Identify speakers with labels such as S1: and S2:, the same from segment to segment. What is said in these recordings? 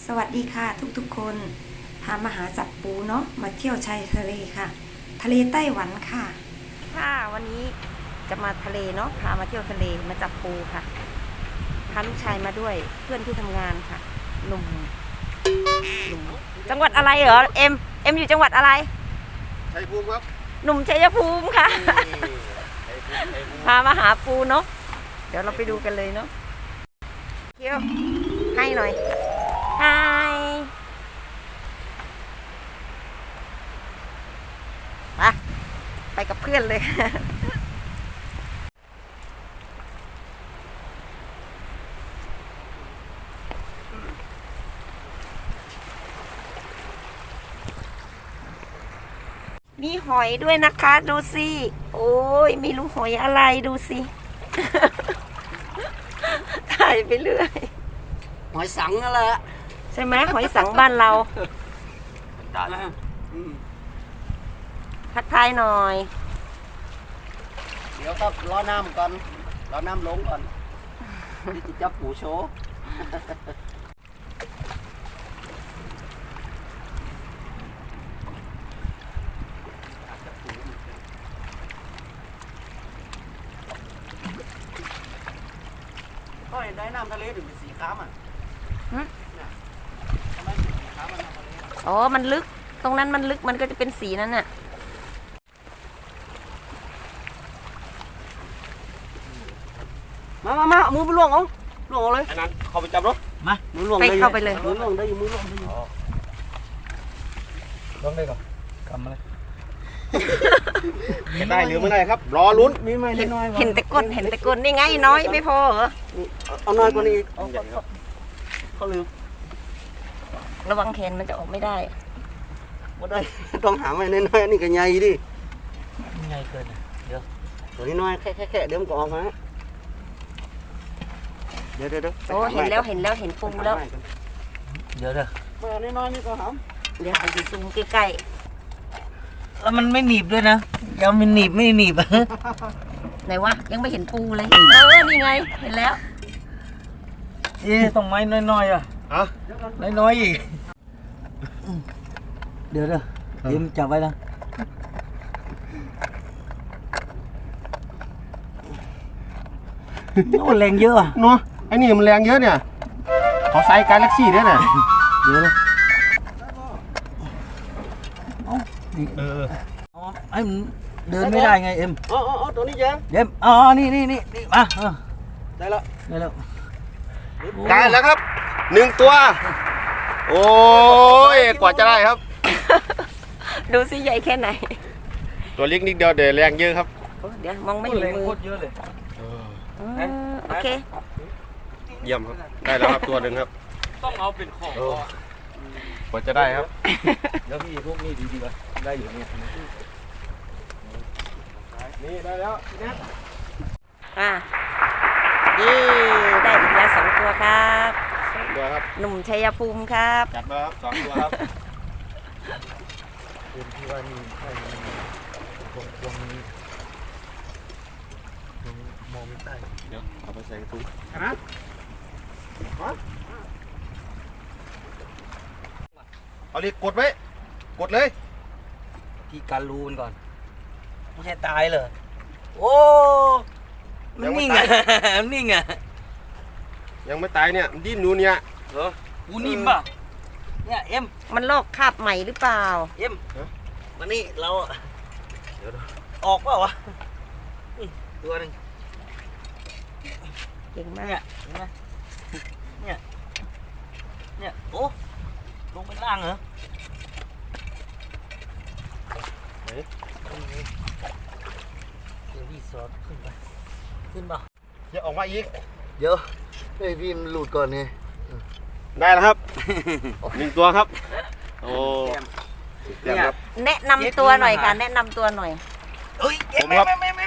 S1: สวัสดีค่ะทุกๆคนพามาหาจับปูเนาะมาเที่ยวชายทะเลค่ะทะเลไต้หวันค่ะวันนี้จะมาทะเลเนาะพามาเที่ยวทะเลมาจับปูค่ะพาลูกชายมาด้วยเพื่อนที่ทำงานค่ะหนุ่มจังหวัดอะไรเหรอเอ็มอยู่จังหวัดอะไร
S2: ชัยภูมิครับ
S1: หนุ่มชัยภูมิค่ะพามาหาปูเนาะเดี๋ยวเราไปดูกันเลยเนาะเที่ยวให้หน่อยไปกับเพื่อนเลยมีหอยด้วยนะคะดูสิโอ้ยไม่รู้หอยอะไรดูสิ ถ่ายไปเรื่อย
S2: หอยสังนั่นแหละ
S1: ใช่ไหมหอยสังบ้านเราทักทายหน่อย
S2: เดี๋ยวก็รอน้ำก่อนรอน้ำลงก่อนนี่จะจับปูโชว์ก็เห็นได้น้ำทะเลถึงเป็นสีค้ำอ่ะทำไมเป็นสีค้ำมันน้ำทะเล
S1: อ๋อมันลึกตรงนั้นมันลึกมันก็จะเป็นสีนั้นน่ะ
S2: มามือไปล่วงเอาเลยอันนั้นเข้าไปจับรถมามือล่วงได้
S1: เข้าไปเลย
S2: มือล่วงได้มือล่วงได้ล่วงได้ก่อนกำมาเลยจะได้หรือไม่ได้ครับรอลุ้นมีไหมน้อย
S1: เห็นแต่ก้นนี่ไงน้อยไม่พอเหรอ
S2: เอาน้อยกว่านี้เขาลืม
S1: ระวังแขนมันจะออกไม่ได้
S2: ไม่ได้ต้องหาไว้น้อยๆนี่ก็ใหญ่ดิ
S3: ใหญ่เกินเดี๋ยว
S2: ตัวนี้น้อยแค่เดี๋ยวมันก็ออกมาเดี๋ยว
S1: โอ้เห็นแล้วเห็นปูแล้ว
S3: เดี๋ยว
S2: มาน้อยนี่ก็หาม
S1: เดี๋ยวไปซูมใกล้
S3: แล้วมันไม่หนีบด้วยนะยังมันหนีบไม่หนีบ
S1: ไหนวะยังไม่เห็นปูเลยนี่ไงเห็นแล้ว
S3: ต้องไม้น้อยๆอ่ะน้อยอีกเดี๋ยวยิ้มจับไว้นะโอ้แรงเยอะอ่ะ
S2: เนาะไอ้นี่มันแรงเยอะเนี่ยขอไซส์กาแล็กซี่ด้วยเนี่ย
S3: เดี๋ยวไอ้มันเดินไม่ได้ไงเอ็ม
S2: ตัวนี้ยัง
S3: เอ็มนี่มา
S2: ได้แล้ว
S3: ได้
S2: แล้วครับ1ตัวโอ้ยกว่าจะได้ครับ
S1: ดูสิใหญ่แค่ไหน
S2: ตัวเล็กนิดเดียวเดี๋ยวแรงเยอะครับ
S1: เดี๋ยวมองไม่เห็นมือ
S3: เยอะเลย
S1: โอเค
S2: เยี่ยมครับได้แล้วครับตัวหนึ่งครับ
S3: ต้องเอาเป็นของ
S2: กว่าจะได้ครับ
S3: แล้วพี่พวกนี้ดีๆวะได้อยู่เนี่ย
S2: นี่ได้แล้ว
S1: ได้อีกแล้ว2 ตัวครับ
S2: ตัวครับ
S1: หนุ่มชัยภูมิครับ
S2: จัดมาครับ2 ตัวครับ
S3: เป็นที่ว่านี่ใช่ตรงนี้มองไม่ได้
S2: เดี๋ยวเอาไปใส่กระตุ้งเอาเลยกดไว้กดเลย
S3: พี่การรูนก่อนไม่ใช่ตายเลยโอ้มันนิ่งอ่ะนิ่งอ่ะ
S2: ยังไม่ตายเนี่ยมันดิ้นนูเนี่ย
S3: เหรอกูนิ่มป่ะเนี่ยเอ็ม
S1: มันลอกคราบใหม่หรือเปล่า
S3: เอ็มมานี่เราออกเปล่าวะตัวนึง
S1: เก่งมาก
S3: เห็นไหมเนี่ยโอ้ลงไปล่างเหรอเดี๋ยวพี่สอดขึ้นเปล่า
S2: อย่าออกมาอีก
S3: เดี๋ยวให้พี่มันหลุดก่อนไง
S2: ได้แล้วครับ1 ตัวครับโอ้
S1: แนะนำตัวหน่อยค่ะแนะนำตัวหน่อย
S2: ผมครับ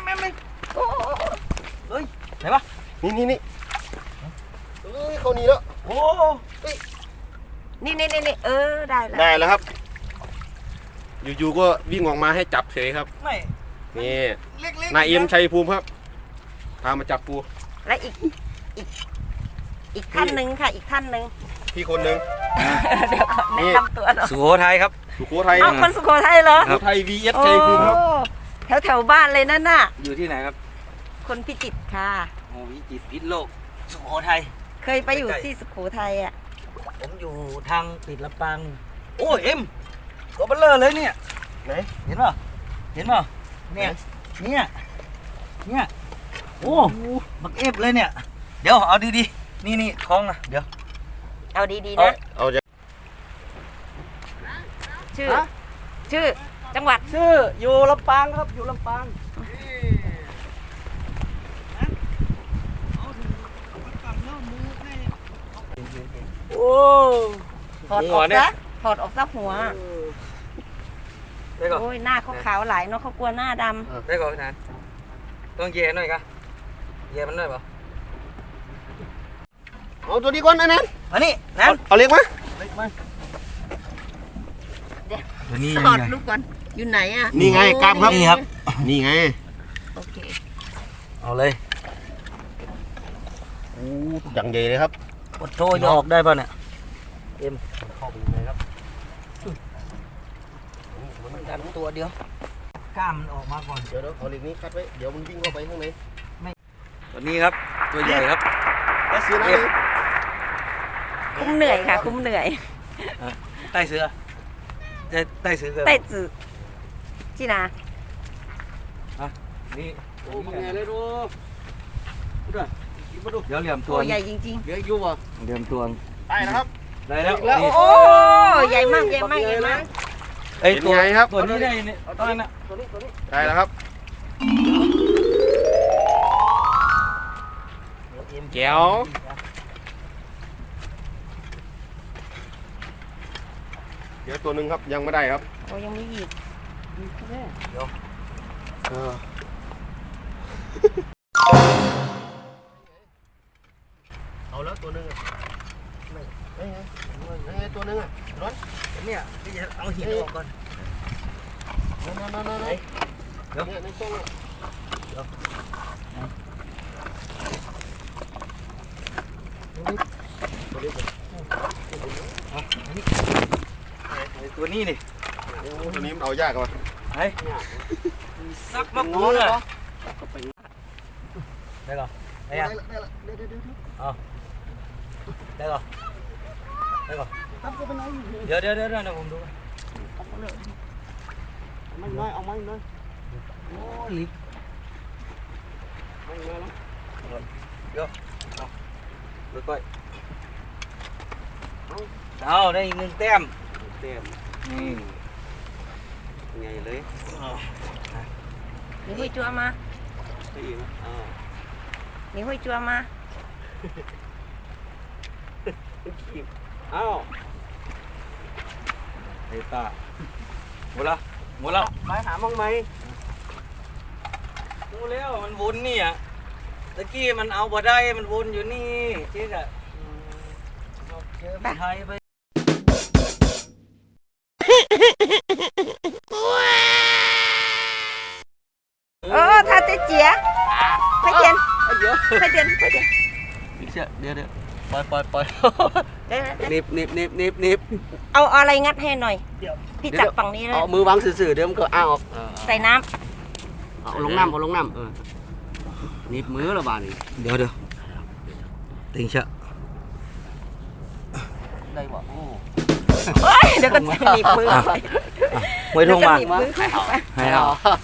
S3: เฮ้ยไหนวะ
S2: นี่เขานี่แล้ว
S3: โอ้
S1: นี่ได้
S2: แล้วครับอยู่ๆก็วิ่งออกมาให้จับเฉยครับนี่นายเอ็มชัยภูมิครับพามาจับปู
S1: และอีกท่านหนึ่งค่ะอีกท่านหนึ่ง
S4: พี่คนหนึ่ง
S1: เดี๋ยวก่อนแนะนำตัวหน่อย
S3: สุโขทัยครับ
S4: สุโขทัย
S1: เอ้าคนสุโขทัยเหรอ
S4: สุโขทัย VS
S1: โอ้
S4: ชัยภูมิครับ
S1: แถวบ้านเลยนั่นน่ะ
S3: อยู่ที่ไหนครับ
S1: คนพิจิตรค่ะ
S3: โอ้วิจิตรพิษณุโลกสุโขทัย
S1: เคยไปอยู่ที่สุโขทัยอ่ะ
S3: ผมอยู่ทางติดลำปางโอ้ยเอ็มตัวเบลเลอร์เลยเนี่ย
S4: ไหน
S3: เห็นป่ะเห็นป่ะเนี่ยเนี่ยโอ้บักเอฟเลยเนี่ยเดี๋ยวเอาดีๆนี่คล้องนะเดี๋ยว
S1: เอาดีๆนะ
S4: เอาจะ
S1: ชื่อจังหวัด
S3: ชื่ออยู่ลำปางครับอยู่ลำปางโอ้
S1: ถอดอ
S3: หั
S1: อ
S3: ว
S1: ก
S3: เนี่ย
S1: ซะถอดออกซะหัว
S3: ได้ก่อน
S1: โอ้ยหน้าเขาขาวหลายเนาะเขากลัวหน้าด
S3: ได้ก่อนพี่นานต้องเย่หน่อยกะเย่มันหน่อยเปล่า
S4: เอาตัวนี้ก่อนนะนั้น
S3: มานี่นั่น
S4: เอาเล็กมั้ย
S3: ตัวนี้
S1: ำถอดลูกก่อนอยู่ไหนอ่ะ
S4: นี่ไงกล้ามครับ
S3: นี่ครับ
S4: นี่ไง
S1: โอเค
S3: เอาเลย
S4: โอ้อย่างใหญ่เลยครับ
S3: กดโทรจะออกได้ป่ะเนี่ย
S4: เข้าไปยังไงครับ
S3: ดันตัวเดียวกล้ามมันออกมาก่อน
S4: เดี๋ยวเอาเหล็กนี้คัดไว้เดี๋ยวมันวิ่งเข้าไปข้างใน
S3: ตัวนี้ครับตัวใหญ่ครับ
S4: แล้วซื้อน้ำ
S3: เอฟ
S4: เลย
S1: คุ้มเหนื่อยค่ะ คุ้มเหนื่อย
S3: ใต้เสือใต้เสือ
S1: ใต้จืดที่นา
S3: นี่
S4: โอ้มันใหญ่เลยดูดูมาดู
S3: เดี๋ยวเหลี่ยมตั
S1: ตัว วใหญ่จริง
S4: เลี้ยงอยู่อ่ะ
S3: เหลี่ยมตัว
S4: ได้นะครับ
S3: ได้แล้ว
S4: แล้ว
S3: นี่
S1: ๆ โอ้ใหญ่มากใหญ่มากใหญ่มาก
S3: ไอ้ตัว
S4: เป็นไงครับ
S3: ตัวนี้ได้เนี่ยตอนนั้นน่ะ
S4: ได้แล้วครับแก้วเดี๋ยวตัวหนึ่งครับยังไม่ได้ครับ
S1: โอ้ยังมีอีก
S4: เออเอาแล้วตัวหนึ่งอ่ะไม่ไงตัวหนึ่งอ่ะร้อน
S3: เนี่ยพี่จะเอาหินออกก่อน
S4: นั่นเนี่ยในช่องอ่ะ
S3: ไอ้ตัวนี้นี่
S4: ตัวนี้มันเอายากว่ะ
S3: ไอ้ซักมะกรูดอ่ะได้ก่อนได้ยังได้ก่อนได้ก่อนเดี๋ยวผมดู
S4: ไม่น้อยเอาไม่น้อย
S3: โอ้ลิฟ
S4: ไม่น้อยแล้ว
S3: ดูก้อยเอาได้อีกหนึ่งแต้ม
S4: เต็ม
S3: นี่
S4: ไงเลย
S1: มีห้วยจัวมา
S4: ได้อีกนะอ่า
S1: มีห้วยจัวมา
S4: อ้าว
S3: ไอ้ตาหมดละ
S4: ไปหามั่งไหม
S3: ดูแล้วมันวนนี่อ่ะตะกี้มันเอาบ่ได้มันวนอยู่นี่เจ๊กอะเจอไม่ไทยไป
S1: ถ้าจะเจียไปเจียน
S4: เยอะ
S1: ไปเจียน
S4: เดี๋ยวปล่อย
S1: เดี๋ยว
S4: นิบ
S1: เอาอะไรงัดให้หน่อย พี่จับฝั่งนี้เลย
S4: เอามือวางสื่อเดี๋ยวมันก็อ้าวออก
S1: ใส่น้
S4: เอาลงน้ำนิบมือละบาทนี่
S3: เดี๋ยวติงเชะ
S4: ได้บ่โอ้
S1: ำเฮ้ยเดี๋ยวก็หนีบมือไป
S3: ไว้ทงมา
S1: เดี๋ยวก็หนีบมือไป
S3: ให้เอา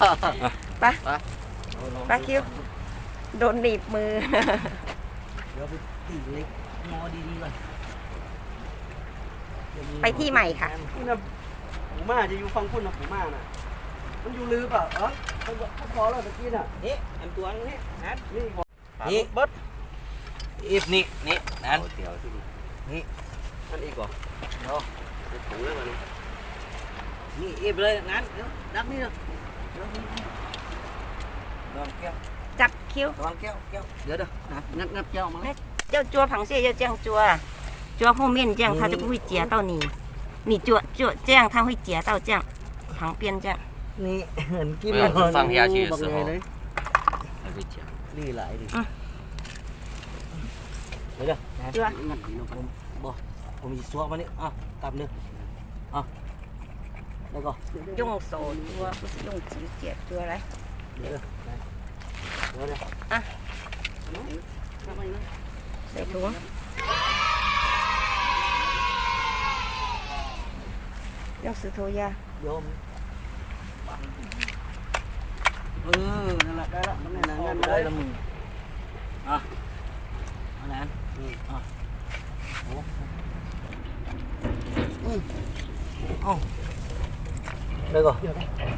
S1: ปลาคิวโดนหนีบมือ
S3: เดี๋ยวไปตีเล็กมอดีๆก่อน
S1: ไปที่ใหม่ค่ะ
S4: นี่นะผมมาจะอยู่ฟังคุณนะผมมาน่ะมันอยู่ลือเปล่าเขาพอแล้วตะกี้น่ะ
S3: นี่อันตัวนี้นะ
S4: นี่พอ
S3: นี่เบิดอีฟนี่นั่น
S4: เดี๋ยวที่นี่นั่นอีกก่อนถุงแล้วมัน
S3: นี่อีฟเลยนั่นเดี๋ยวดักนี่เนาะดอนแก้ว
S1: จับคิ้ว
S3: ดอนแก้วเดี๋ยว
S4: งับเจ้ามา
S1: เจ้าจัวผังเสียเจ้าเจียงจัว后面这样它就不会夹到你你จัว这样它会夹到这样旁边这样
S3: นี่เหมือนกิน
S4: 放下去的时候还会讲
S3: นี่หลายดิ
S1: อืม
S3: เดี๋ยว
S1: จัว
S4: งับนี่เนาะบ่
S3: ผมมีซัวมานี่ตับนึงแล้วก็
S1: ย่งโสดตัวผู้สิย่งจีเกียดตัวอะไร
S3: เดี๋ยว
S1: อ่ะ
S4: ทำไมนะ
S1: ใส่ถุงย่งสือโทยา
S3: โยม
S4: นั่นแหละได้ละมันนั่น
S3: เอา
S4: นั่น
S3: ได้
S4: ได้
S3: ละ
S4: ละ
S3: มึงอันนั้นเอาได้ก่อนเดี๋ยว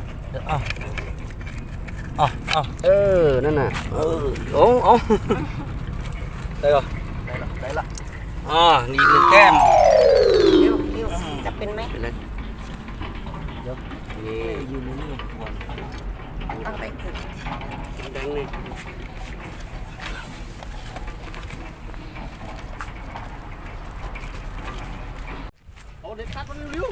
S4: นั่นน่ะ
S3: เอาได้ก่อนได้ละนี่หนึ่งแก้ม
S1: เร็วจะเป็นไหม
S4: เป็นไร
S3: เดี๋ยวนี่ยืนนี่ปวด
S1: ตั้งแต่ถึง
S4: แดงนี่เอาเด็กตัดมันเร็ว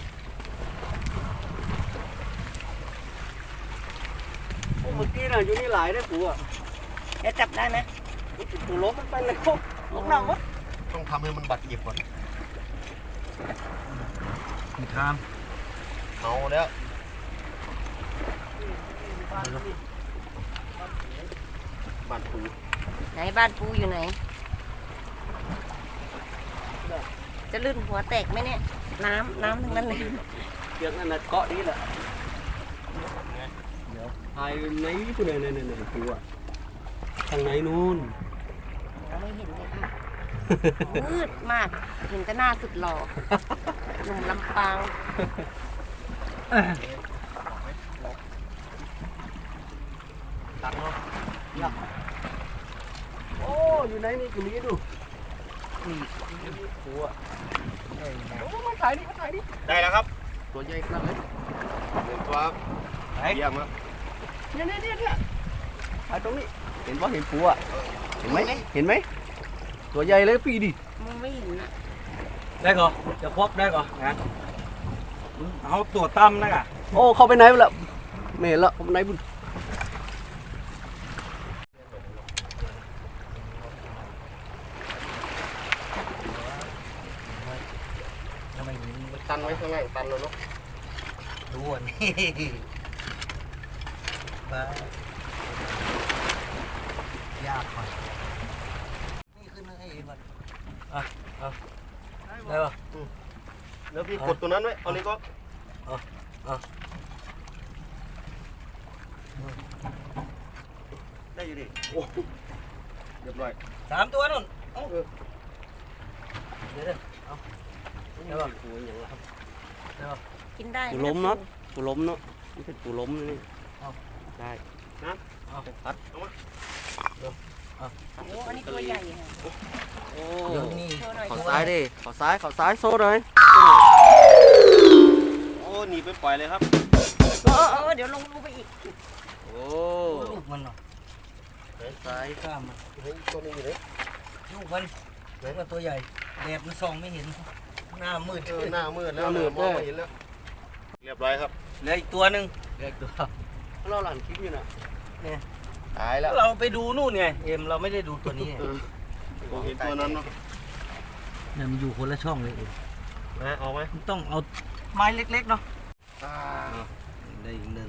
S4: เมื่อกี้น่ะอยู่นี่หลายได้ปูอ่ะ
S1: เดี๋ยวจับได้ไหม
S4: ปูล้มมันไปเลยลงน้ำวะ
S2: ต้องทำให้มันบัดเจ็บก่อน
S3: มีทาม
S2: เอาแล้วบัดปู
S1: ไหนบ้านปูอยู่ไหน จะลื่นหัวแตกไหมเนี่ย น้ำทั้งนั้นเลย
S4: เชือกนั่นน่ะเกาะดีแหละไอ้ไหนผู้ใดเนี่ยปูอ่ะทางไหนนู้น
S1: เราไม่เห็นเลยค่ะมืดมาก เห็นแต่หน้าสุดหล่อหนุ่มลำปาง
S3: ตัดเนาะ
S4: โอ้อยู่ไหนนี่กูมีดู
S3: นี่หัว
S4: โอ้มาถ่ายดิมาถ่ายดิ
S2: ได้แล้วครับ ตัวใหญ่ขนาดเลยเห็นตัว
S3: ไหน
S2: เยี่ยมแล้ว
S4: เนี่ยถ่ายตรงนี้เห็นว่าเห็นปูอ่ะเห็นไหมตัวใหญ่เลยพี่ดิ
S1: มึงไม่เห็นอ่ะ
S3: ได้ก่อนจะครบได้ก่อนนะเอาตัวตั้มนะกะ
S4: โอ้เข้าไปไหนละไม่เห็นละเข้าไปไหนบุญ
S3: ทำไมถึง
S2: ตันไว้ข้างล่างตันเลยเนาะ
S3: ดูอ่ะนี่ไปยากไปนี่ขึ้นให้เอ็มได้ป่ะ
S2: แล้วพี่กดตัวนั้นไว้เอานี้ก็ ได้อยู่ดิโอ้เรียบร้อย
S3: 3 ตัวนู่นเดี๋ยวเอา
S4: ได้ป่ะปูอย่างละ
S1: กินได้
S4: ปูล้มเนาะปูล้มเนาะนี่เป็นปูล้มนี่ได้
S2: เอาตัดเอามา
S1: โอ้อันนี้ตัวใหญ่ค่ะ
S4: โอ้
S3: เดี๋ยวนี่
S1: โชว์หน่อย
S4: ขอซ้ายดิขอซ้ายโซ่เลย
S2: โอ้หนีไปปล่อยเลยครับ
S1: เดี๋ยวลงรูไปอีก
S4: โอ้
S3: ลูกมันเนาะ
S4: ซ้าย
S3: ข้ามมัน
S2: เฮ้ยตัวนี้อยู่ไหน
S3: ลูกมันเหมือนกับตัวใหญ่แดดมันส่องไม่เห็นหน้ามืด
S2: หน้ามืดแล้วมองไม่เห็นแล้วเรียบร้อยครับ
S3: เหลืออีกตัวหนึ่ง
S4: เด็กตัวเราหลั่นคลิปอยู่น่ะ
S2: ตายแล้ว
S3: เราไปดูนู่นไงเอ็มเราไม่ได้ดูตัวนี้
S2: ผมเห็นตัวนั้นเนาะ
S3: เนี่ยมันอยู่คนละช่องเลยเอ็ม
S2: นะเอาไหม
S3: มันต้องเอาไม้เล็กๆเนาะได้อีกหนึ่ง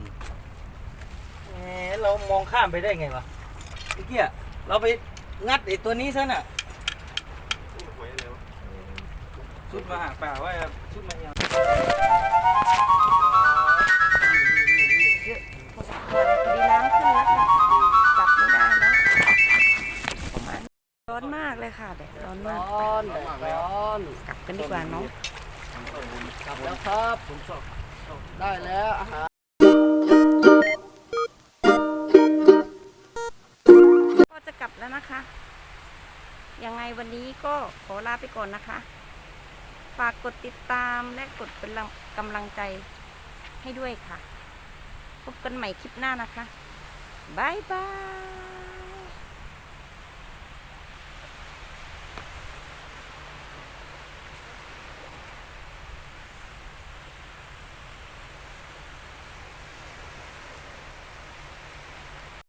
S3: เรามองข้ามไปได้ไงวะเมื่อกี้เราไปงัดไอ้ตัวนี้ซะน่ะ
S2: หวยอะไรวะ
S3: ชุดมาหาป่าว่าชุดมาเนี่ย
S1: ดีน้ำขึ้นแล้วค่ะจับไม่ได้แล้วประมาณร้อนมากเลยค่ะแดดร้อนมาก
S4: ร้อน
S1: กลับกันดีกว่าเนาะ
S4: กลับแล้วครับได้แล้วอาหาร
S1: ก็จะกลับแล้วนะคะ ยังไงวันนี้ก็ขอลาไปก่อนนะคะ ฝากกดติดตามและกดเป็นกำลังใจให้ด้วยค่ะ พบกันใหม่คลิปหน้านะคะ บ๊ายบาย